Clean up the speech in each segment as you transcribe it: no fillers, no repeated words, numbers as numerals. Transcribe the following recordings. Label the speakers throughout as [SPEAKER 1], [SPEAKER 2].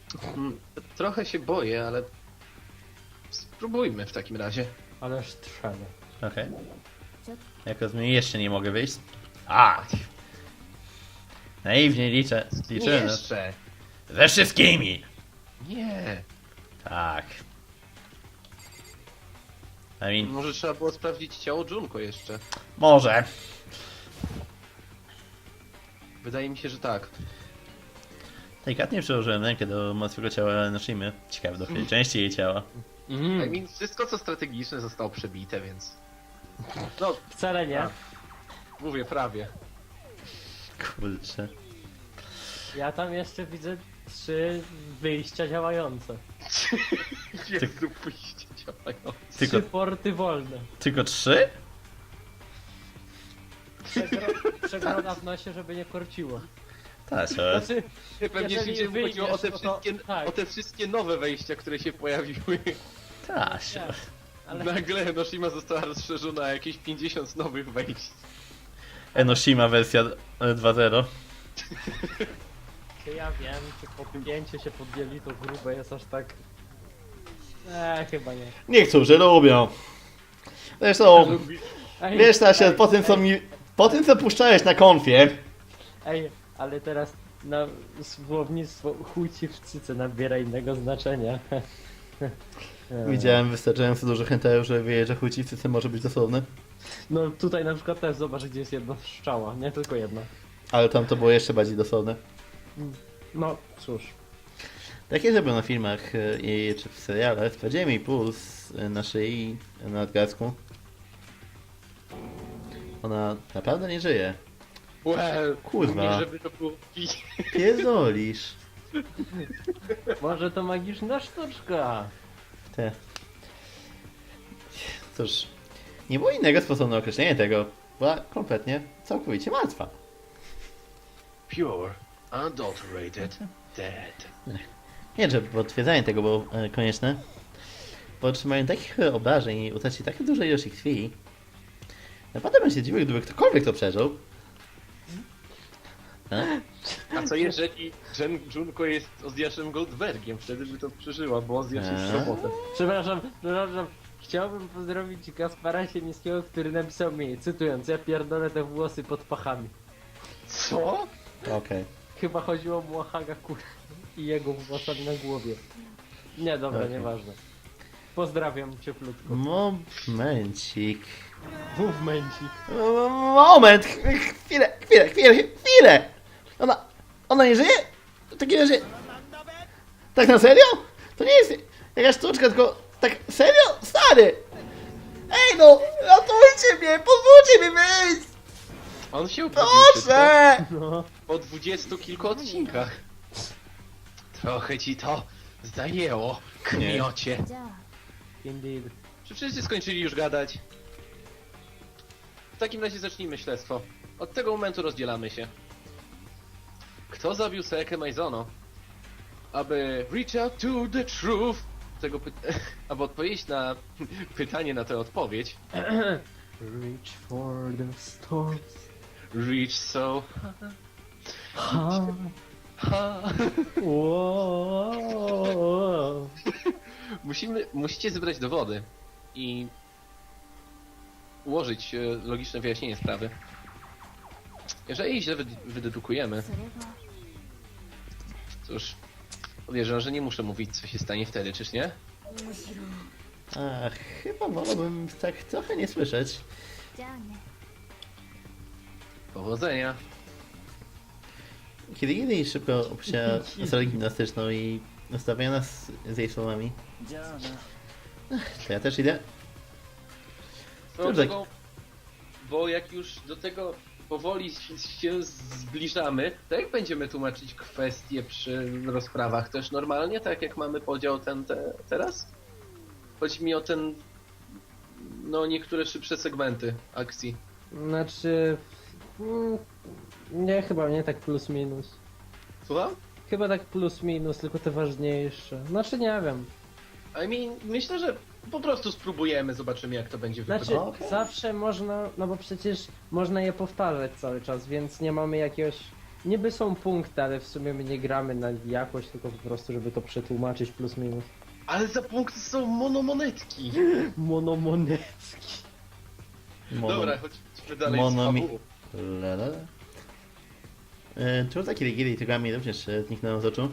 [SPEAKER 1] Trochę się boję, ale spróbujmy w takim razie.
[SPEAKER 2] Ależ trzeba.
[SPEAKER 3] Okej. Jak rozumiem, jeszcze nie mogę wyjść. A! Naiwnie liczę.
[SPEAKER 1] Nie
[SPEAKER 3] Liczyłem.
[SPEAKER 1] jeszcze!
[SPEAKER 3] Ze wszystkimi!
[SPEAKER 1] Nie!
[SPEAKER 3] Tak. I mean,
[SPEAKER 1] Może trzeba było sprawdzić ciało Junko jeszcze.
[SPEAKER 3] może.
[SPEAKER 1] Wydaje mi się, że tak.
[SPEAKER 3] Delikatnie przełożyłem rękę do martwego ciała Noshimy. Ciekawe, do której części jej ciała.
[SPEAKER 1] Wszystko co strategiczne zostało przebite, więc... No,
[SPEAKER 2] Wcale nie.
[SPEAKER 1] A. mówię prawie.
[SPEAKER 3] Kurczę.
[SPEAKER 2] Ja tam jeszcze widzę 3 wyjścia działające.
[SPEAKER 1] Jezu, pójście działają.
[SPEAKER 3] Tylko,
[SPEAKER 2] 3 porty wolne.
[SPEAKER 3] tylko 3?
[SPEAKER 2] Przegroda w nosie, żeby nie korciło.
[SPEAKER 3] Tak,
[SPEAKER 2] Znaczy,
[SPEAKER 1] Pewnie
[SPEAKER 2] jeżeli
[SPEAKER 1] się chodziło o te,
[SPEAKER 2] wyjdziesz, no to-
[SPEAKER 1] wszystkie,
[SPEAKER 2] tak.
[SPEAKER 1] o te wszystkie nowe wejścia, które się pojawiły.
[SPEAKER 3] tak.
[SPEAKER 2] tak, ale
[SPEAKER 1] Nagle Noshima została rozszerzona o jakieś 50 nowych wejść.
[SPEAKER 3] Enoshima wersja 2.0.
[SPEAKER 2] czy ja wiem, czy podpięcie się podjęli to grube jest aż tak... chyba nie.
[SPEAKER 3] Niektórzy lubią. Zresztą,
[SPEAKER 2] Ej,
[SPEAKER 3] wiesz Stasia, po tym co puszczałeś na konfie,
[SPEAKER 2] Ej, ale teraz na słownictwo chuj ci w cyce nabiera innego znaczenia.
[SPEAKER 3] widziałem wystarczająco dużo hentai, żeby wiedzieć, że chuciwcy może być dosłowny.
[SPEAKER 2] No tutaj na przykład też zobacz, gdzie jest jedna strzała, nie tylko jedna.
[SPEAKER 3] Ale tam to było jeszcze bardziej dosłowne.
[SPEAKER 2] No cóż.
[SPEAKER 3] Takie zrobią na filmach czy w serialach. Sprawdziłem jej puls na szyi, na nadgarstku. Ona naprawdę nie żyje.
[SPEAKER 1] Well,
[SPEAKER 3] Kurwa.
[SPEAKER 1] nie żeby to było
[SPEAKER 3] Pierdolisz.
[SPEAKER 2] Może to magiczna sztuczka.
[SPEAKER 3] Te. Cóż, nie było innego sposobu na określenie tego. Była kompletnie, całkowicie martwa.
[SPEAKER 1] pure, unadulterated, dead.
[SPEAKER 3] Nie, że potwierdzenie tego było konieczne. Po otrzymaniu takich obrażeń i utracie tak dużej ilości krwi, naprawdę bym się dziwił, gdyby ktokolwiek to przeżył.
[SPEAKER 1] A co jeżeli Junko jest Ozjaszem Goldbergiem? Wtedy by to przeżyła, bo Ozjasz jest robotem.
[SPEAKER 2] Przepraszam. Chciałbym pozdrowić Kaspara Siemińskiego, który napisał mi, cytując, ja pierdolę te włosy pod pachami.
[SPEAKER 1] Co?
[SPEAKER 3] Okej.
[SPEAKER 2] Chyba chodziło mu o Haga i jego włosami na głowie. Nie, dobra,
[SPEAKER 3] Okej.
[SPEAKER 2] nieważne. Pozdrawiam cieplutko.
[SPEAKER 3] Momencik.
[SPEAKER 2] Movemencik.
[SPEAKER 3] Moment! Chwilę! Ona nie żyje? W takim razie... Tak na serio? To nie jest jakaś sztuczka, tylko... Tak serio? Stary! Ej no! Ratujcie mnie! Pozwólcie mi wyjść!
[SPEAKER 1] On się uprawił szybko.
[SPEAKER 3] Proszę!
[SPEAKER 2] No.
[SPEAKER 1] Po 20 kilku odcinkach. Trochę ci to zajęło, kmiocie.
[SPEAKER 2] Indeed.
[SPEAKER 1] Czy wszyscy skończyli już gadać? W takim razie zacznijmy śledztwo. Od tego momentu rozdzielamy się. Kto zabił Seekę Maizono? Aby reach out to the truth, aby odpowiedzieć na pytanie na tę odpowiedź.
[SPEAKER 2] Reach for the stars.
[SPEAKER 1] Reach so
[SPEAKER 2] Ha.
[SPEAKER 1] ha.
[SPEAKER 2] Wow.
[SPEAKER 1] Musicie zebrać dowody i ułożyć logiczne wyjaśnienie sprawy. Jeżeli źle wydedukujemy, cóż, podejrzewam, że nie muszę mówić, co się stanie wtedy, czyż nie?
[SPEAKER 3] Ach, chyba wolałbym tak trochę nie słyszeć.
[SPEAKER 1] Powodzenia.
[SPEAKER 3] Kiedy Gili szybko opuściła salę gimnastyczną i zostawia nas z jej słowami. To ja też idę.
[SPEAKER 1] No,
[SPEAKER 3] Dobrze.
[SPEAKER 1] bo jak już do tego powoli się zbliżamy, to jak będziemy tłumaczyć kwestie przy rozprawach? Też normalnie, tak jak mamy podział teraz? Chodzi mi o no niektóre szybsze segmenty akcji.
[SPEAKER 2] Znaczy... Nie, chyba nie tak plus minus.
[SPEAKER 1] Słucham?
[SPEAKER 2] Chyba tak plus minus, tylko te ważniejsze. Znaczy nie wiem.
[SPEAKER 1] Myślę, że po prostu spróbujemy, zobaczymy jak to będzie
[SPEAKER 2] Znaczy
[SPEAKER 1] wyglądało.
[SPEAKER 2] zawsze można, no bo przecież można je powtarzać cały czas, więc nie mamy jakiegoś... Niby są punkty, ale w sumie my nie gramy na jakość, tylko po prostu, żeby to przetłumaczyć plus minus.
[SPEAKER 1] Ale za punkty są monomonetki.
[SPEAKER 2] Monomonecki.
[SPEAKER 1] Dobra, chodźmy dalej
[SPEAKER 3] Monomi-
[SPEAKER 1] z fabułą.
[SPEAKER 3] Lala. Czemu takie Rigiri Togami również zniknęło z oczu?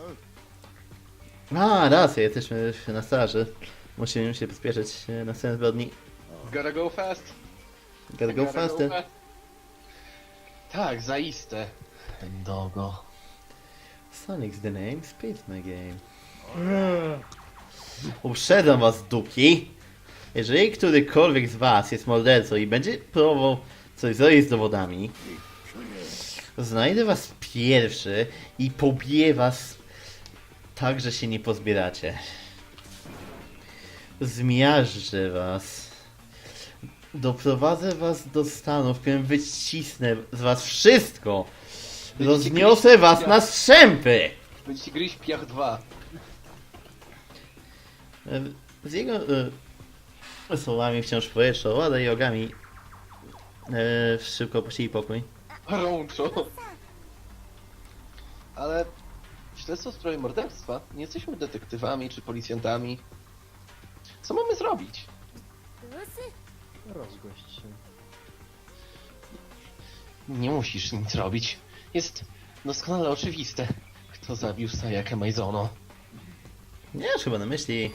[SPEAKER 3] A, racja, jesteśmy na straży. Musimy się pospieszyć na scenę zbrodni.
[SPEAKER 1] Gotta go fast.
[SPEAKER 3] Gotta go faster.
[SPEAKER 1] Tak, zaiste. Ten dogo.
[SPEAKER 3] Sonic's the name, speed's my game. Uprzedzam was, duki. Jeżeli którykolwiek z was jest mordercą i będzie próbował coś zrobić z dowodami, znajdę was pierwszy i pobiję was tak, że się nie pozbieracie. Zmiażdżę was. Doprowadzę was do stanu, w którym wycisnę z was wszystko. Rozniosę was na strzępy!
[SPEAKER 1] Będziecie gryźć Piach 2.
[SPEAKER 3] Z jego słowami wciąż powietrze, Łada i ogami szybko opuścili pokój.
[SPEAKER 1] Rączo. Ale śledztwo w sprawie morderstwa. Nie jesteśmy detektywami czy policjantami. Co mamy zrobić?
[SPEAKER 2] Rozgość się.
[SPEAKER 1] Nie musisz nic robić. Jest doskonale oczywiste, kto zabił Sayakę Maizono.
[SPEAKER 3] Nie masz chyba na myśli.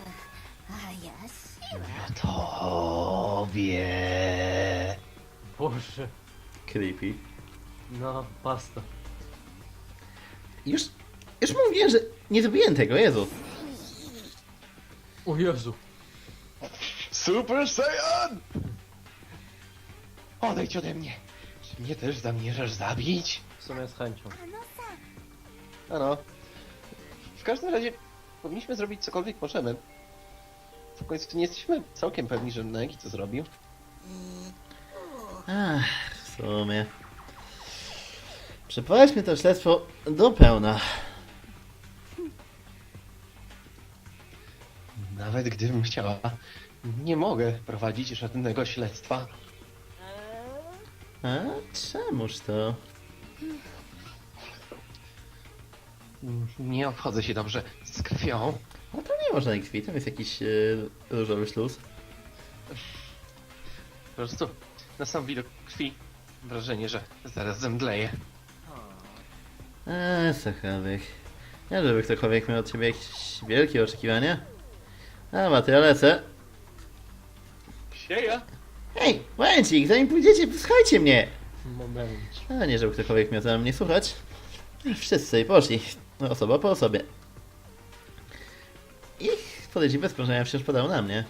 [SPEAKER 1] Tobie.
[SPEAKER 2] Boże.
[SPEAKER 3] Creepy.
[SPEAKER 2] No, pasta.
[SPEAKER 3] Już mówiłem, że nie zrobiłem tego, Jezu.
[SPEAKER 2] O Jezu.
[SPEAKER 1] Super Saiyan! Odejdź ode mnie. Czy mnie też zamierzasz zabić?
[SPEAKER 2] W sumie z chęcią.
[SPEAKER 1] Ano. W każdym razie powinniśmy zrobić cokolwiek możemy. W końcu nie jesteśmy całkiem pewni, że Nagi to zrobił.
[SPEAKER 3] Ach, w sumie. Przeprowadźmy to śledztwo do pełna.
[SPEAKER 1] Nawet gdybym chciała, nie mogę prowadzić żadnego śledztwa.
[SPEAKER 3] A czemuż to?
[SPEAKER 1] Nie obchodzę się dobrze z krwią.
[SPEAKER 3] A tam nie można krwi, tam jest jakiś różowy śluz.
[SPEAKER 1] Po prostu na sam widok krwi wrażenie, że zaraz zemdleję.
[SPEAKER 3] Sachawych. Nie, żeby ktokolwiek miał od ciebie jakieś wielkie oczekiwania. A, to ja lecę.
[SPEAKER 1] Sieja!
[SPEAKER 3] Hej, momencik, zanim pójdziecie, posłuchajcie mnie!
[SPEAKER 2] Moment.
[SPEAKER 3] A nie, żeby ktokolwiek miał za mnie słuchać. Wszyscy sobie poszli, osoba po osobie. Ich podejrzliwe spojrzenia wciąż padały na mnie.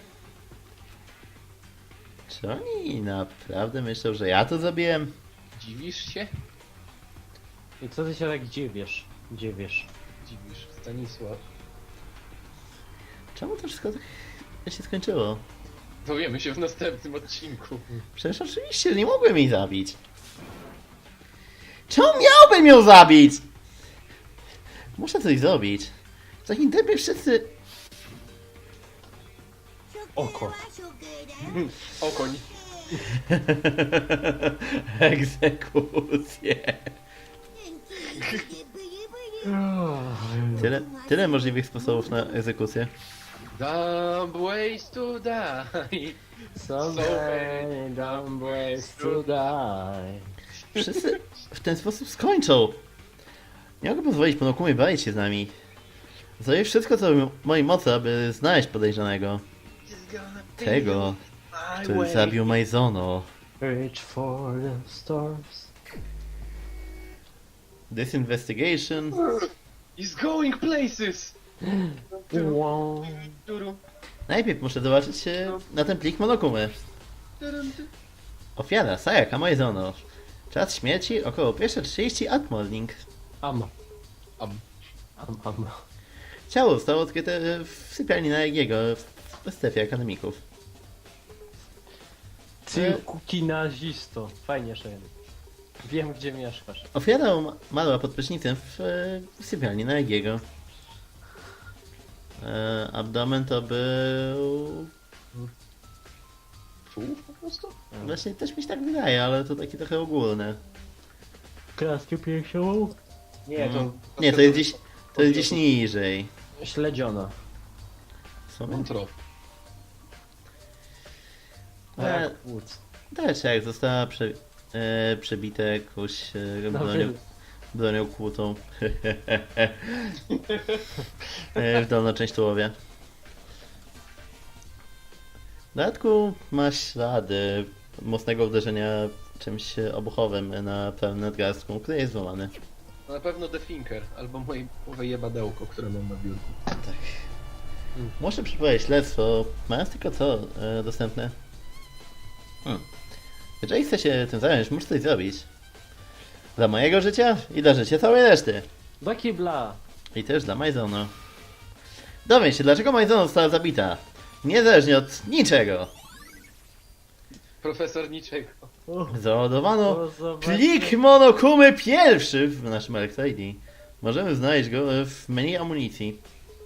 [SPEAKER 3] Czy oni naprawdę myślą, że ja to zabiłem?
[SPEAKER 1] Dziwisz się?
[SPEAKER 2] I co ty się tak dziwisz? Dziwisz.
[SPEAKER 1] Dziwisz, Stanisław.
[SPEAKER 3] Czemu to wszystko tak się skończyło?
[SPEAKER 1] Dowiemy się w następnym odcinku.
[SPEAKER 3] Przecież oczywiście nie mogłem jej zabić. Czemu miałbym ją zabić? Muszę coś zrobić. W takim tempie wszyscy...
[SPEAKER 2] Oko.
[SPEAKER 1] Okoń.
[SPEAKER 3] Egzekucję. Tyle możliwych sposobów na egzekucję.
[SPEAKER 1] Dumb ways to die.
[SPEAKER 2] So many dumb ways to die.
[SPEAKER 3] Wszyscy w ten sposób skończą. Nie mogę pozwolić Monokumie bawić się z nami. Zrobię wszystko, co w mojej mocy, aby znaleźć podejrzanego. Tego, który zabił Maizono.
[SPEAKER 2] Reach for the stars.
[SPEAKER 3] This investigation...
[SPEAKER 1] He's going places!
[SPEAKER 2] Wow.
[SPEAKER 3] Najpierw muszę zobaczyć na ten plik Monokumy. Ofiara Sayaka Maizono. Czas śmierci około 1:30 at morning.
[SPEAKER 2] Am.
[SPEAKER 1] Am.
[SPEAKER 2] Am.
[SPEAKER 3] Ciało zostało odkryte w sypialni na Egiego w strefie akademików.
[SPEAKER 2] Ty kuki nazisto. Fajnie, Shane. Wiem, gdzie mieszkasz.
[SPEAKER 3] Ofiara umarła pod prysznicem w sypialni na Egiego. Abdomen to był...
[SPEAKER 1] Czół po prostu?
[SPEAKER 3] Właśnie też mi się tak wydaje, ale to takie trochę ogólne.
[SPEAKER 2] Klaskę piersiową? Nie, to
[SPEAKER 3] Nie, to jest gdzieś, to jest gdzieś niżej.
[SPEAKER 2] śledziona.
[SPEAKER 3] W sumie?
[SPEAKER 1] Wątrob.
[SPEAKER 3] E,
[SPEAKER 2] Płuc.
[SPEAKER 3] Też jak została przebita jakąś
[SPEAKER 2] No,
[SPEAKER 3] bronią kłutą w dolną część tułowia. W dodatku ma ślady mocnego uderzenia czymś obuchowym na prawym nadgarstku, który jest złamany.
[SPEAKER 1] No na pewno The Thinker, albo moje jebadełko, które mam na biurku.
[SPEAKER 3] Muszę przeprowadzić śledztwo, mając tylko co dostępne. Jeżeli chcę się tym zająć, muszę coś zrobić. Dla mojego życia i dla życia całej reszty.
[SPEAKER 2] Do kibla!
[SPEAKER 3] I też dla Majzono. Dowiem się, dlaczego Majzono została zabita. Niezależnie od niczego.
[SPEAKER 1] Profesor niczego.
[SPEAKER 3] Załadowano
[SPEAKER 2] zobaczmy.
[SPEAKER 3] plik Monokumy pierwszy w naszym Electro-ID. Możemy znaleźć go w menu amunicji.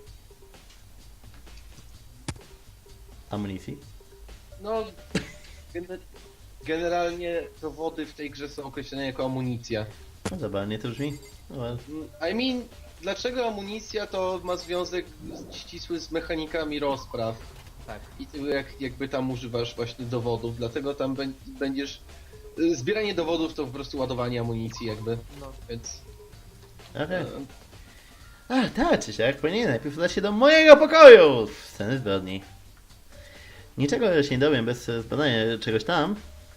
[SPEAKER 3] Amunicji?
[SPEAKER 1] No, generalnie dowody w tej grze są określone jako amunicja.
[SPEAKER 3] No zabawnie to brzmi. No, ale-
[SPEAKER 1] I mean, dlaczego amunicja to ma związek ścisły z mechanikami rozpraw?
[SPEAKER 2] Tak.
[SPEAKER 1] I ty jakby tam używasz właśnie dowodów, dlatego tam będziesz... Zbieranie dowodów to po prostu ładowanie amunicji jakby,
[SPEAKER 2] No.
[SPEAKER 1] więc...
[SPEAKER 3] Okej. A, tak czy siak, powinien najpierw udać się do mojego pokoju! Sceny zbrodni. Niczego się nie dowiem bez zbadania czegoś tam.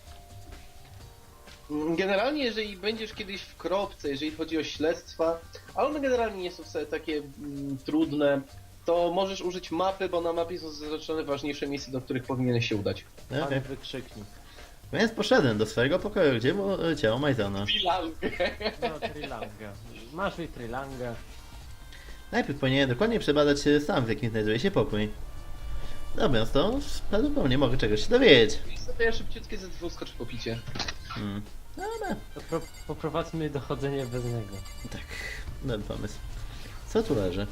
[SPEAKER 1] Generalnie, jeżeli będziesz kiedyś w kropce, jeżeli chodzi o śledztwa, a one generalnie nie są wcale takie trudne, to możesz użyć mapy, bo na mapie są zaznaczone ważniejsze miejsca, do których powinieneś się udać.
[SPEAKER 3] Okej.
[SPEAKER 2] Pan wykrzyknik.
[SPEAKER 3] Więc poszedłem do swojego pokoju, gdzie było ciało Majzona.
[SPEAKER 2] No, trilanga. Masz i trilanga.
[SPEAKER 3] Najpierw powinienem dokładnie przebadać stan, w jakim znajduje się pokój. Robiąc to, prawdopodobnie mogę czegoś się dowiedzieć.
[SPEAKER 1] I sobie szybciutkie ze dwóch skocz po picie.
[SPEAKER 3] Dobra,
[SPEAKER 2] To poprowadźmy dochodzenie bez niego.
[SPEAKER 3] tak, dobry pomysł. Co tu leży?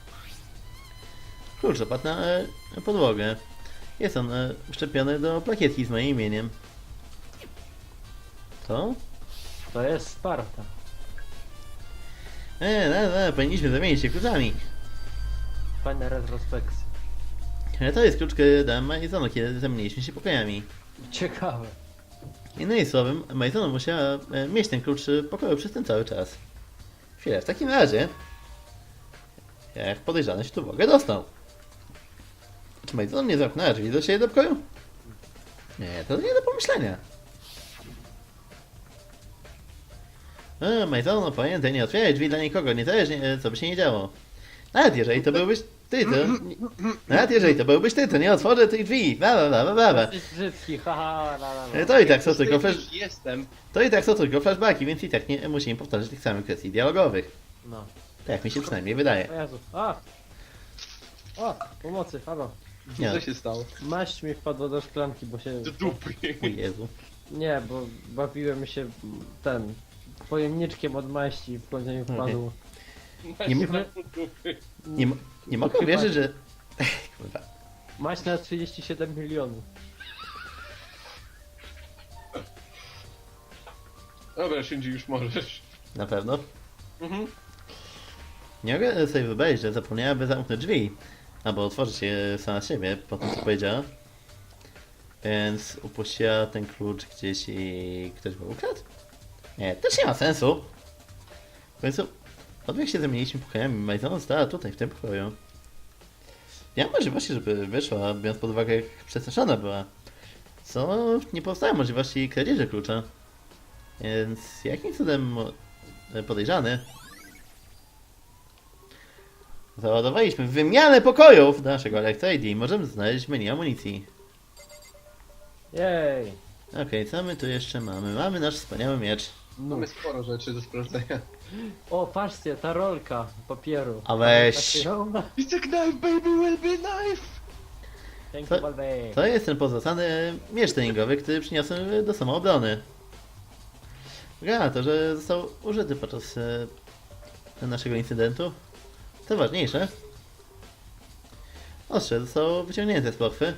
[SPEAKER 3] Klucz opadł na podłogę. Jest on wszczepiony do plakietki z moim imieniem. To?
[SPEAKER 2] To jest Sparta.
[SPEAKER 3] Powinniśmy zamienić się kluczami.
[SPEAKER 2] Fajna retrospekcja.
[SPEAKER 3] To jest klucz, dałem Majzono, kiedy zamieniliśmy się pokojami.
[SPEAKER 2] Ciekawe.
[SPEAKER 3] Innymi słowy, Majzono musiała mieć ten klucz w pokoju przez ten cały czas. Chwilę, w takim razie... Jak podejrzany się tu w ogóle dostał? Czy Majzono nie zamknęła drzwi do siebie do pokoju? Nie, to nie do pomyślenia. Majzono, pamiętaj, nie otwieraj drzwi dla nikogo, niezależnie co by się nie działo. Nawet jeżeli to byłbyś ty, to... Nawet jeżeli to byłbyś ty, to nie otworzę tych drzwi.
[SPEAKER 2] Jesteś brzydki, haha, la la la.
[SPEAKER 3] To i tak są tylko
[SPEAKER 1] Jestem.
[SPEAKER 3] To i tak są tylko flashbacki, więc i tak nie musimy powtarzać tych samych kwestii dialogowych.
[SPEAKER 2] No.
[SPEAKER 3] Tak jak mi się przynajmniej wydaje.
[SPEAKER 2] O Jezu. A! O! Pomocy, halo.
[SPEAKER 3] Nie.
[SPEAKER 1] Co się stało?
[SPEAKER 2] Maść mi wpadła do szklanki, bo się...
[SPEAKER 1] Do dupy.
[SPEAKER 3] O Jezu.
[SPEAKER 2] Nie, bo bawiłem się pojemniczkiem od maści i w końcu mi wpadł.
[SPEAKER 3] Nie,
[SPEAKER 2] My-
[SPEAKER 3] nie mogę
[SPEAKER 2] Chyba-
[SPEAKER 3] wierzyć, że... Kurwa.
[SPEAKER 2] Maść na 37 milionów.
[SPEAKER 1] Dobra, Shinji, już możesz.
[SPEAKER 3] Na pewno.
[SPEAKER 1] Mhm.
[SPEAKER 3] Nie mogę sobie wyobrazić, że zapomniałaby zamknąć drzwi. Albo otworzyć je sama z siebie, po tym co powiedziała. Więc upuściła ten klucz gdzieś i ktoś go ukradł? Nie, też nie ma sensu. W końcu, od jak się zamieniliśmy pokojami, Majzona stała tutaj, w tym pokoju. Nie ma możliwości, żeby wyszła, biorąc pod uwagę, jak przestraszona była. Co nie powstało możliwości kradzieży klucza. Więc jakim cudem podejrzany? Załadowaliśmy wymianę pokojów do naszego Electro-ID i możemy znaleźć menu amunicji.
[SPEAKER 2] Jej!
[SPEAKER 3] Okej, co my tu jeszcze mamy? Mamy nasz wspaniały miecz.
[SPEAKER 1] Mamy sporo rzeczy do sprawdzenia.
[SPEAKER 2] O, patrzcie, ta rolka papieru.
[SPEAKER 3] A weź.
[SPEAKER 1] It's a knife, baby, will be knife!
[SPEAKER 2] Thank
[SPEAKER 3] To-
[SPEAKER 2] you, Balbey.
[SPEAKER 3] To jest ten pozostany miecz treningowy, który przyniosłem do samoobrony. Gra to, że został użyty podczas naszego incydentu. To ważniejsze. Ostrze zostało wyciągnięte z pochwy.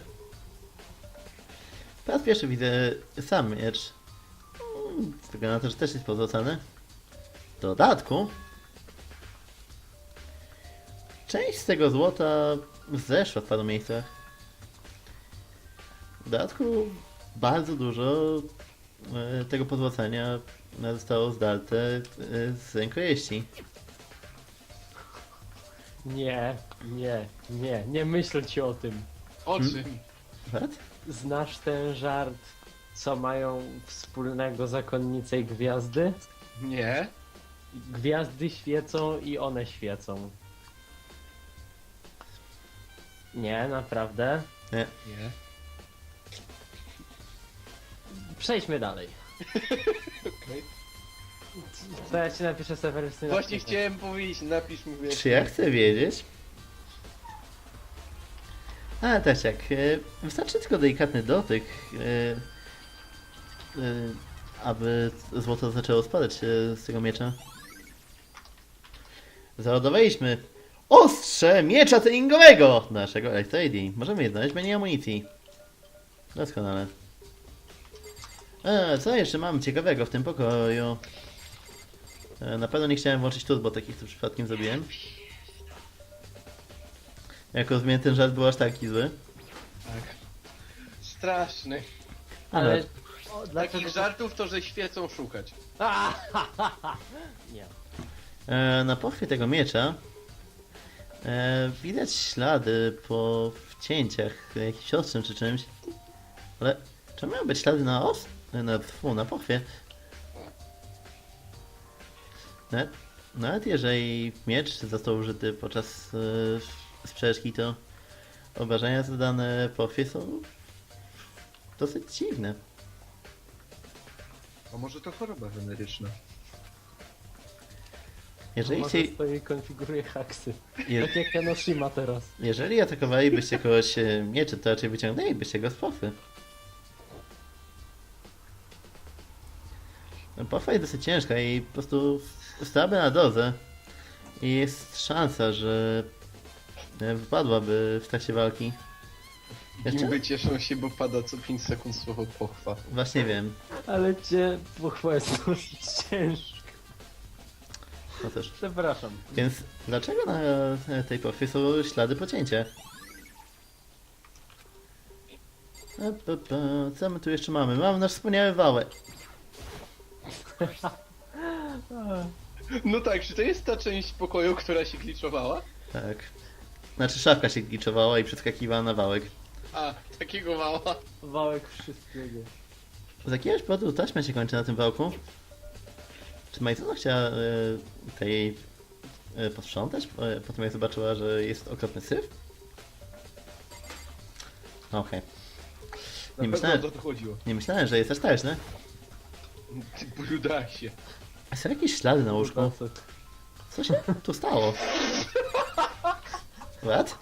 [SPEAKER 3] Po raz pierwszy widzę sam miecz. Wygląda na to, że też jest pozostany. W dodatku część z tego złota zeszła w paru miejscach. W dodatku bardzo dużo tego pozłacania zostało zdarte z rękojeści.
[SPEAKER 2] Nie myślcie o tym.
[SPEAKER 1] O czym?
[SPEAKER 3] What?
[SPEAKER 2] Znasz ten żart, co mają wspólnego zakonnice i gwiazdy?
[SPEAKER 1] Nie?
[SPEAKER 2] Gwiazdy świecą i one świecą. Nie, naprawdę.
[SPEAKER 3] Nie.
[SPEAKER 1] Nie.
[SPEAKER 2] Przejdźmy dalej.
[SPEAKER 1] Okej.
[SPEAKER 2] To ja ci napiszę Sewerus.
[SPEAKER 1] Właśnie chciałem powiedzieć, napisz mi wiesz.
[SPEAKER 3] Czy ja chcę wiedzieć? A też jak. Wystarczy tylko delikatny dotyk, aby złoto zaczęło spadać z tego miecza. Załadowaliśmy ostrze miecza treningowego naszego Electrade. Możemy je znaleźć w menu amunicji. Doskonale. Co jeszcze mamy ciekawego w tym pokoju? Na pewno nie chciałem włączyć turbo, takich co przypadkiem zrobiłem. Jak rozumiem, ten żart był aż taki zły.
[SPEAKER 1] Tak. Straszny.
[SPEAKER 2] Ale...
[SPEAKER 1] Takich żartów to, że świecą szukać.
[SPEAKER 2] Nie.
[SPEAKER 3] Na pochwie tego miecza widać ślady po wcięciach jakimś ostrzem czy czymś. Ale czy miały być ślady na na pochwie? Nawet jeżeli miecz został użyty podczas sprzeczki, to obrażenia zadane pochwie są dosyć dziwne.
[SPEAKER 1] A może to choroba weneryczna?
[SPEAKER 3] Jeżeli,
[SPEAKER 2] Może stoi konfiguruje haksy.
[SPEAKER 3] je,
[SPEAKER 2] Tak jak Kanoshima teraz.
[SPEAKER 3] jeżeli atakowalibyście kogoś mieczem, to raczej wyciągnęlibyście go z pochwy. Pochwa jest dosyć ciężka i po prostu stałaby na dozę. I jest szansa, że wypadłaby w trakcie walki. Jeszcze?
[SPEAKER 1] Gimby cieszą się, bo pada co 5 sekund słowo pochwa.
[SPEAKER 3] Właśnie wiem.
[SPEAKER 2] Ale cię pochwała jest dosyć ciężka.
[SPEAKER 3] No też.
[SPEAKER 2] Przepraszam.
[SPEAKER 3] Więc dlaczego na tej pochwie są ślady po cięciach? Co my tu jeszcze mamy? Mamy nasz wspaniały wałek.
[SPEAKER 1] No tak, czy to jest ta część pokoju, która się gliczowała?
[SPEAKER 3] Tak. Znaczy szafka się gliczowała i przeskakiwała na wałek.
[SPEAKER 1] A, takiego mała.
[SPEAKER 2] Wałek wszystkiego.
[SPEAKER 3] Z jakiegoś powodu taśma się kończy na tym wałku. Czy Majzona chciała tej posprzątać? Potem jak zobaczyła, że jest okropny syf? Okej.
[SPEAKER 1] Na
[SPEAKER 3] Nie
[SPEAKER 1] pewno
[SPEAKER 3] myślałem,
[SPEAKER 1] o to chodziło.
[SPEAKER 3] nie myślałem, że jest aż taśne.
[SPEAKER 1] Ty brudasie.
[SPEAKER 3] Są jakieś ślady na łóżku. Co się tu stało? What?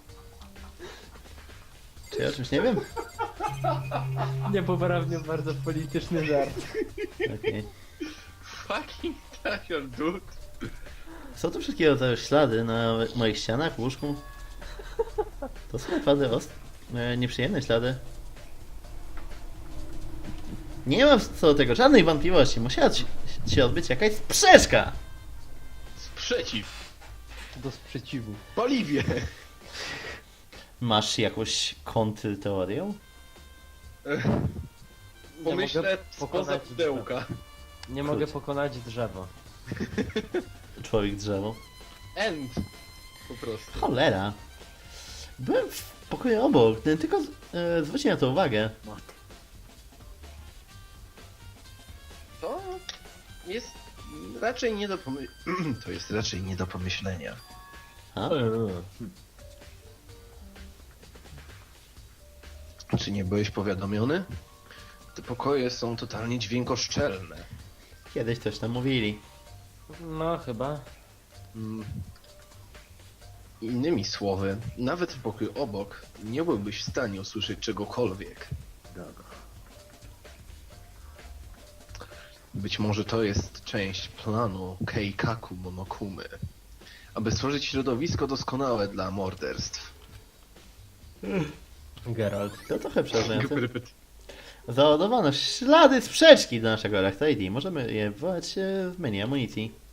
[SPEAKER 3] Czy ja o czymś nie wiem?
[SPEAKER 2] Niepoprawnie bardzo polityczny żart.
[SPEAKER 3] Okej.
[SPEAKER 1] Fucking Tiger, dude.
[SPEAKER 3] Są tu wszystkie rodzaje ślady na moich ścianach, łóżku. To są naprawdę nieprzyjemne ślady. Nie mam co do tego żadnej wątpliwości. Musiała się odbyć jakaś sprzeczka.
[SPEAKER 1] Sprzeciw.
[SPEAKER 2] Do sprzeciwu.
[SPEAKER 1] Paliwie.
[SPEAKER 3] Masz jakąś kontrteorię?
[SPEAKER 1] Pomyślę
[SPEAKER 2] pokonać
[SPEAKER 1] spoza pudełka.
[SPEAKER 2] Nie mogę pokonać drzewa.
[SPEAKER 3] Człowiek drzewo.
[SPEAKER 1] End. Po prostu.
[SPEAKER 3] Cholera. Byłem w pokoju obok, tylko zwróć na to uwagę.
[SPEAKER 1] To jest raczej nie do To jest raczej nie do pomyślenia.
[SPEAKER 3] A?
[SPEAKER 1] Czy nie byłeś powiadomiony? Te pokoje są totalnie dźwiękoszczelne.
[SPEAKER 3] Kiedyś coś tam mówili.
[SPEAKER 2] No chyba.
[SPEAKER 1] Mm. Innymi słowy, nawet w pokoju obok nie byłbyś w stanie usłyszeć czegokolwiek. Być może to jest część planu Keikaku Monokumy, aby stworzyć środowisko doskonałe dla morderstw.
[SPEAKER 2] Geralt.
[SPEAKER 3] To trochę przerażające. Załadowano ślady sprzeczki do naszego Electrade. Możemy je wywołać w menu amunicji.